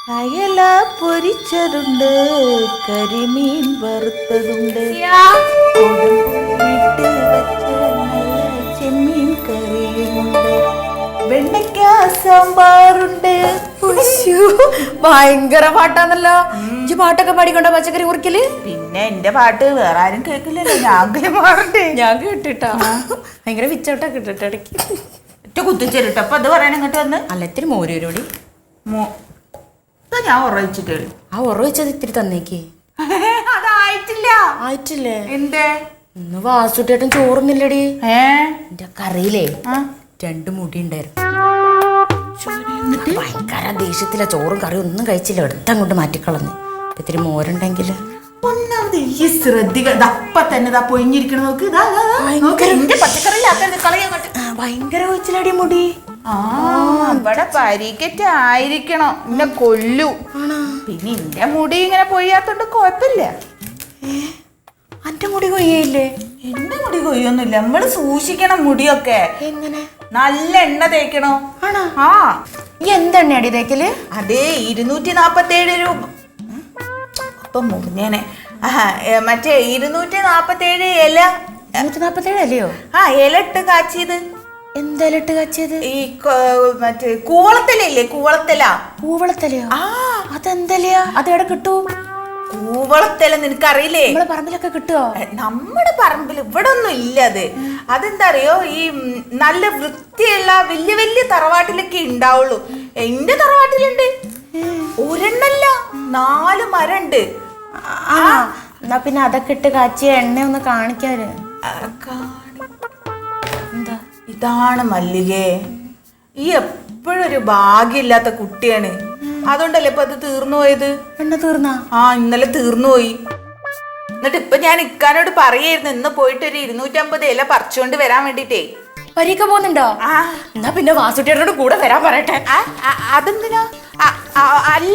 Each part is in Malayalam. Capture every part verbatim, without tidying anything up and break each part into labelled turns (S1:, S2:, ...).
S1: അയല പൊരിച്ചതുണ്ട്, കരിമീൻ വറുത്തതുണ്ട്, ഇട്ട് വെച്ച നല്ല ചെമ്മീൻ കറിയുമുണ്ട്, വെണ്ടയ്ക്ക സാമ്പാറുണ്ട്.
S2: ഭയങ്കര പാട്ടാന്നല്ലോ. ഇജ്ജ് പാട്ടൊക്കെ പാടിക്കൊണ്ട പച്ചക്കറി കുറിക്കല്?
S1: പിന്നെ എന്റെ പാട്ട് വേറെ ആരും കേൾക്കില്ലല്ലോ, ഞാൻ മാറണ്ടേ.
S2: ഞാൻ കേട്ടിട്ടാ ഭയങ്കര വിച്ചോട്ടാ കിട്ടിട്ട് ഇടയ്ക്ക്
S1: ഒറ്റ കുത്തിച്ചേരിട്ടോ. അപ്പൊ അത് പറയാൻ ഇങ്ങോട്ട് വന്ന്
S2: അല്ല ഇത്തിരി മോരൂരോടി
S1: ഞാൻ ഉറവിച്ചിട്ടേ.
S2: ആ ഉറ വെച്ചത് ഇത്തിരി തന്നേക്ക്.
S1: അതായിട്ടില്ല.
S2: ആയിട്ടില്ലേ?
S1: എന്തേ
S2: ഇന്ന് വാസുട്ടേട്ടൻ ചോറുന്നില്ലടി.
S1: ഏ
S2: എന്റെ കറിയിലേ രണ്ട് മുടി ഉണ്ടായിരുന്നു. ഭയങ്കര ദേഷ്യത്തില ചോറും കറിയും ഒന്നും കഴിച്ചില്ല, എടുത്തങ്ങോട്ട് മാറ്റിക്കളഞ്ഞു. ഇത്തിരി മോരുണ്ടെങ്കില്
S1: ഒന്നാമത് ഈ ശ്രദ്ധിക്ക. അപ്പ തന്നെ പൊയിഞ്ഞിരിക്കണം നോക്ക്.
S2: ഭയങ്കര കൊച്ചിലടി മുടി.
S1: ആ ഇവിടെ പരിക്കറ്റ് ആയിരിക്കണം, എന്നെ കൊല്ലു. പിന്നെ എന്റെ മുടി ഇങ്ങനെ പൊയ്യാത്തോണ്ട് കുഴപ്പമില്ല.
S2: അന്റെ മുടി കൊയ്യയില്ലേ?
S1: എന്റെ മുടി കൊയ്യൊന്നുമില്ല. നമ്മള് സൂക്ഷിക്കണം മുടിയൊക്കെ.
S2: എങ്ങനെ?
S1: നല്ല എണ്ണ തേക്കണോ?
S2: ആണോ?
S1: ആ
S2: ഈ എന്തെണ്ണ അടി തേക്കല്?
S1: അതേ ഇരുന്നൂറ്റി നാപ്പത്തി ഏഴ് രൂപ. അപ്പൊ മുറിഞ്ഞേനെ. മറ്റേ ഇരുന്നൂറ്റി നാപ്പത്തി ഏഴ് ഇല.
S2: ഇരുന്നൂറ്റി നാപ്പത്തി ഏഴ് അല്ലയോ?
S1: ആ ഇല ഇട്ട് കാച്ചിയത്.
S2: എന്തായാലും ഇട്ട് കാച്ചിയത്?
S1: ഈ മറ്റേ കൂവളത്തലയില്ലേ, കൂവളത്തല.
S2: കൂവളത്തലയോ? ആ അതെന്തലയാ? അത് എവിടെ കിട്ടൂ?
S1: കൂവളത്തല നിനക്കറിയില്ലേ?
S2: നമ്മളെ പറമ്പിലൊക്കെ കിട്ടുവോ?
S1: നമ്മുടെ പറമ്പിൽ ഇവിടെ ഒന്നും ഇല്ല. അത് അതെന്താ അറിയോ, ഈ നല്ല വൃത്തിയുള്ള വലിയ വലിയ തറവാട്ടിലൊക്കെ ഉണ്ടാവുള്ളൂ. എന്റെ തറവാട്ടിലുണ്ട് ഒരെണ്ണല്ല, നാല് മരണ്ട്.
S2: എന്നാ പിന്നെ അതൊക്കെ ഇട്ട് കാച്ചിയ എണ്ണ ഒന്ന് കാണിക്കാര്.
S1: എന്താ ഇതാണ് മല്ലികേ, ഈ എപ്പോഴും ഒരു ഭാഗ്യമില്ലാത്ത കുട്ടിയാണ്. അതുകൊണ്ടല്ലേ ഇപ്പൊ അത് തീർന്നു പോയത്.
S2: എണ്ണ തീർന്നാ?
S1: ആ ഇന്നലെ തീർന്നു പോയി. എന്നിട്ട് ഇപ്പൊ ഞാൻ ഇക്കാനോട് പറയായിരുന്നു ഇന്ന് പോയിട്ട് ഒരു ഇരുന്നൂറ്റമ്പത് ഇല പറിച്ചുകൊണ്ട് വരാൻ വേണ്ടിട്ടേ.
S2: പരീക്ക പോകുന്നുണ്ടോ?
S1: ആ
S2: എന്നാ പിന്നെ വാസുട്ടിയോട് കൂടെ വരാൻ പറയട്ടെ.
S1: അതെന്തിനാ? അല്ല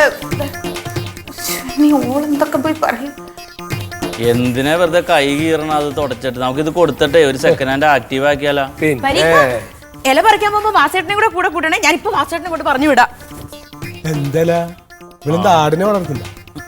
S1: നീ ഓളെന്തൊക്കെ പോയി പറയും.
S3: എന്തിനാ വെറുതെ കൈ കീറണം? അത് തുടച്ചിട്ട് നമുക്കിത് കൊടുത്തിട്ടേ ഒരു സെക്കൻഡ് ഹാൻഡ് ആക്റ്റീവ് ആക്കിയാലോ.
S2: ഇല പറിക്കാൻ പോകുമ്പോ വാസേട്ടനെ കൂടെ കൂടെ കൂട്ടണേ. ഞാനിപ്പോ വാസേട്ടനെ കൂടെ പറഞ്ഞു വിടാം.
S4: എന്തല്ല ആടിനെ വളർത്തില്ല?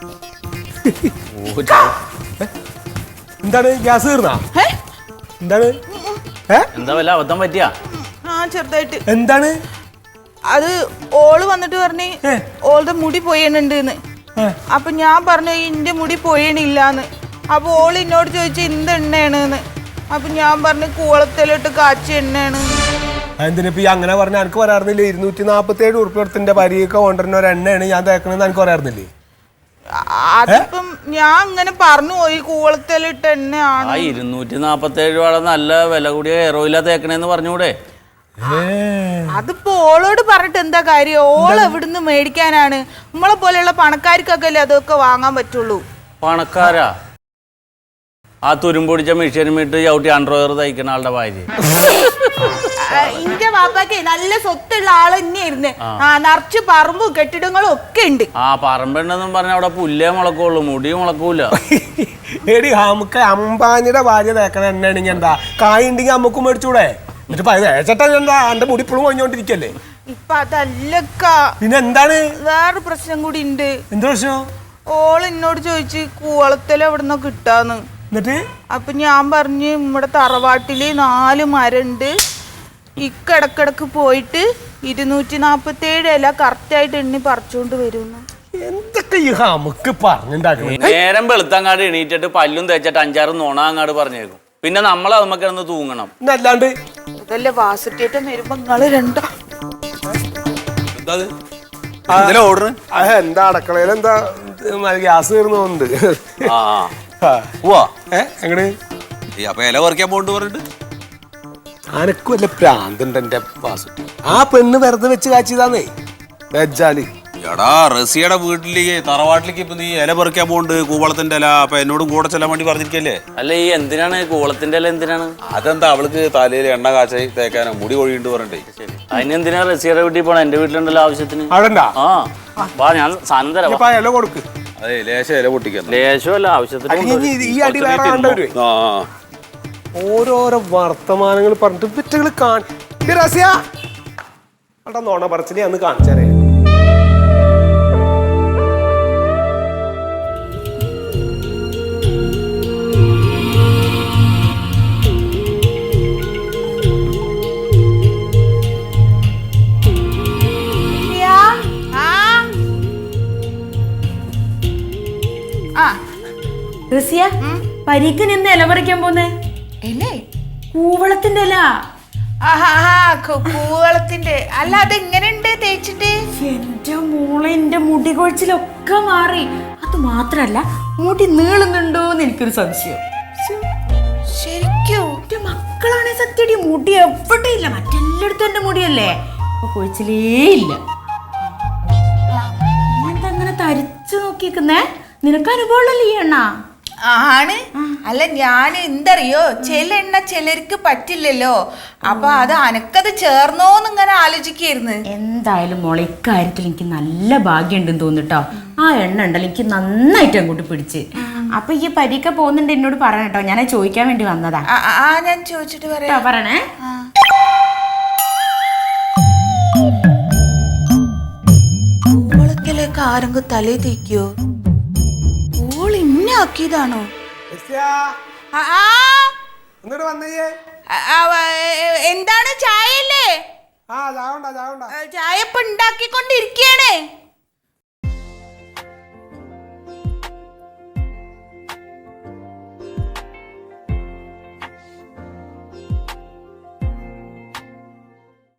S4: എന്താണ് ഗ്യാസ് തീർന്നാ? എന്താണ്
S3: എന്താ വല്ല അബദ്ധം പറ്റിയാ?
S1: ആ ചെറുതായിട്ട്.
S4: എന്താണ്
S1: അത് ഓള് വന്നിട്ട് പറഞ്ഞ് ഓളുടെ മുടി പൊയ്യണുണ്ട്. അപ്പൊ ഞാൻ പറഞ്ഞു ഇന്റെ മുടി പൊയ്യണില്ലാന്ന്. അപ്പൊ ഓള് എന്നോട് ചോദിച്ചു എന്ത് എണ്ണയാണെന്ന്. അപ്പൊ ഞാൻ പറഞ്ഞു കൂളത്തിലിട്ട് കാച്ചി എണ്ണയാണ്.
S4: എന്തിനിപ്പ ഈ അങ്ങനെ പറഞ്ഞ എനിക്ക് പറയാറുന്നില്ലേ? ഇരുന്നൂറ്റി നാപ്പത്തി ഏഴ് ഉറുപ്പിടത്തിന്റെ പരിയൊക്കെ കൊണ്ടുവരുന്ന ഒരു എണ്ണയാണ് ഞാൻ തേക്കണെന്ന് എനിക്ക് പറയാറുന്നില്ലേ?
S1: അതിപ്പം ഞാൻ അങ്ങനെ പറഞ്ഞു പോയി കൂളത്തിലിട്ട് എണ്ണയാണ്.
S3: ആ ഇരുന്നൂറ്റി നാപ്പത്തി ഏഴ് രൂപ നല്ല വില കൂടിയ ഹെയർ ഓയിലാ തേക്കണേന്ന് പറഞ്ഞൂടെ?
S1: അതിപ്പോ ഓളോട് പറഞ്ഞിട്ട് എന്താ കാര്യം? ഓള് എവിടുന്ന് മേടിക്കാനാണ്? നമ്മളെ പോലെയുള്ള പണക്കാർക്കൊക്കെ അല്ലേ അതൊക്കെ വാങ്ങാൻ പറ്റുള്ളൂ.
S3: പണക്കാരാ? ആ തുരുമ്പൊടിച്ച മെഷീനുമിട്ട് ചവിട്ടി അണ്ടർവെയർ തയ്ക്കുന്ന ആളുടെ ഭാര്യ.
S1: ഇന്റെ ബാപ്പാക്ക് നല്ല സ്വത്തുള്ള ആള് തന്നെയായിരുന്നു. ആ നിറച്ച് പറമ്പും കെട്ടിടങ്ങളും ഒക്കെ ഉണ്ട്.
S3: ആ പറമ്പെണ്ണെന്നും പറഞ്ഞ അവിടെ പുല്ലേ മുളക്കുള്ളൂ, മുടി മുളക്കൂല.
S4: എടി നമുക്ക് അമ്പാനിയുടെ ഭാര്യ തേക്കണ എണ്ണയാണെങ്കിൽ എന്താ കായ് ഉണ്ടെങ്കിൽ അമ്മക്കും മേടിച്ചൂടെ? എന്നിട്ട് ചേട്ടാ എന്താ എന്റെ മുടി ഇപ്പോഴും കൊഞ്ഞോണ്ടിരിക്കല്ലേ?
S1: ഇപ്പൊ അതല്ലക്ക.
S4: പിന്നെ എന്താണ്?
S1: വേറെ പ്രശ്നം കൂടി ഉണ്ട്.
S4: എന്ത് പ്രശ്നം?
S1: ഓള് എന്നോട് ചോദിച്ചു കൂവളത്തില് എവിടുന്നോ കിട്ടാന്ന്.
S4: എന്നിട്ട്
S1: അപ്പൊ ഞാൻ പറഞ്ഞു നമ്മുടെ തറവാട്ടില് നാല് മരണ്ട്, ഇക്കിടക്കിടക്ക് പോയിട്ട് ഇരുന്നൂറ്റി നാപ്പത്തി ഏഴ് ഇല കറക്റ്റ് ആയിട്ട് എണ്ണി പറിച്ചോണ്ട് വരുന്നു.
S4: എന്തൊക്കെ ഈ നമുക്ക് പറഞ്ഞുണ്ടാക്കണം.
S3: നേരം വെളുത്തങ്ങാട് എണീറ്റിട്ട് പല്ലും തേച്ചിട്ട് അഞ്ചാറ് നുണ അങ്ങാട് പറഞ്ഞേക്കും. പിന്നെ നമ്മൾ അതുമ്മ കിടന്ന് തൂങ്ങണം.
S4: അല്ലാണ്ട്
S1: അതല്ലേ വാസുട്ടേറ്റം വരുമ്പോ നിങ്ങള് രണ്ടോ
S4: എന്താ അടുക്കളയിൽ എന്താ ഗ്യാസ് തീർന്നുണ്ട്. എങ്ങട്
S5: ഇല പറിക്കാൻ പോണ്ട് പറഞ്ഞിട്ട്
S4: അനക്ക് വല്ല പ്രാന്തുണ്ട് എന്റെ വാസുട്ടി. ആ പെണ്ണ് വെറുതെ വെച്ച് കാച്ചിയതാന്നേ വെച്ചാല്.
S5: എടാ റസിയുടെ വീട്ടിലേക്ക് തറവാട്ടിലേക്ക് ഇപ്പൊ നീ ഇല പറിക്കാൻ പോണ്ട്, കൂവളത്തിന്റെ ഇല. അപ്പൊ എന്നോടും കൂടെ ചെല്ലാൻ വേണ്ടി പറഞ്ഞിരിക്കല്ലേ?
S3: അല്ല ഈ എന്തിനാണ് കൂവളത്തിന്റെ ഇല? എന്തിനാണ്?
S5: അതെന്താ അവൾക്ക് തലയിൽ എണ്ണ കാച്ചായി തേക്കാനോ മുടി കൊഴിയുണ്ട് പറഞ്ഞിട്ടേ.
S3: അതിനെന്തിനാ റസിയുടെ വീട്ടിൽ പോണ? എന്റെ വീട്ടിലുണ്ടല്ലോ ആവശ്യത്തിന്.
S4: അവിടെ
S3: ആ വാ, ഞാൻ സാധനം തരാം.
S4: ഇല കൊടുക്ക്.
S5: അതെ ലേശം ഇല പൊട്ടിക്കാൻ.
S3: ലേശമല്ല, ആവശ്യത്തിന്.
S4: ഈ അടി വേറെ കണ്ടവര് ഓരോരോ വർത്തമാനങ്ങൾ പറഞ്ഞിട്ട് വിറ്റുകൾ കാണ നോണ പറച്ചിനെ അന്ന് കാണിച്ചാരേ.
S2: റസിയ പരീക്ക് നിന്ന് ഇല പറിക്കാൻ പോന്നേ
S1: എന്നെ
S2: കൂവളത്തിന്റെ ഇല.
S1: കൂവളത്തിന്റെ അല്ല, അതെങ്ങനെയുണ്ട് തേച്ചിട്ട്?
S2: എന്റെ മോളെ, എന്റെ മുടി കൊഴിച്ചിലൊക്കെ മാറി. അത് മാത്രല്ല മുടി നീളുന്നുണ്ടോന്ന് എനിക്കൊരു സംശയം.
S1: ശരിക്കും
S2: എന്റെ മക്കളാണെ സത്യടി മുടി എവിടെ ഇല്ല, മറ്റെല്ലായിടത്തും എന്റെ മുടിയല്ലേ, അപ്പൊ കൊഴിച്ചിലേ ഇല്ല. എന്താ അങ്ങനെ തരിച്ചു നോക്കിക്കുന്നേ? നിനക്ക് അനുഭവമുള്ളല്ലേ ഈ എണ്ണ?
S1: ആണ്. അല്ല, ഞാൻ എന്തറിയോ, ചില എണ്ണ ചിലർക്ക് പറ്റില്ലല്ലോ, അപ്പൊ അത് അനക്കത് ചേർന്നോന്ന് ഇങ്ങനെ ആലോചിക്കായിരുന്നു.
S2: എന്തായാലും മോളെ, ഇക്കാര്യത്തിൽ എനിക്ക് നല്ല ഭാഗ്യം ഉണ്ടെന്ന് തോന്നിട്ടോ. ആ എണ്ണ ഉണ്ടല്ലോ എനിക്ക് നന്നായിട്ട് അങ്ങോട്ട് പിടിച്ച്. അപ്പൊ ഈ പരീക്ക പോകുന്നുണ്ട് എന്നോട് പറയണട്ടോ, ഞാൻ ചോദിക്കാൻ വേണ്ടി വന്നതാ.
S1: ആ, ഞാൻ ചോദിച്ചിട്ട് പറയാം.
S2: പറയണേ.
S1: കൂവളത്തിലേക്ക് ആരെങ്കിലും തലേ തേക്കോ? ഓൾ ഇന്നെ ആക്കിയതാണോ?
S4: ഇങ്ങോട്ട് വന്നേ.
S1: എന്താണ്, ചായ അല്ലേ?
S4: ആ ചാവണ്ട ചാവണ്ട
S1: ചായ ഇപ്പൊ ഉണ്ടാക്കിക്കൊണ്ടിരിക്കണേ.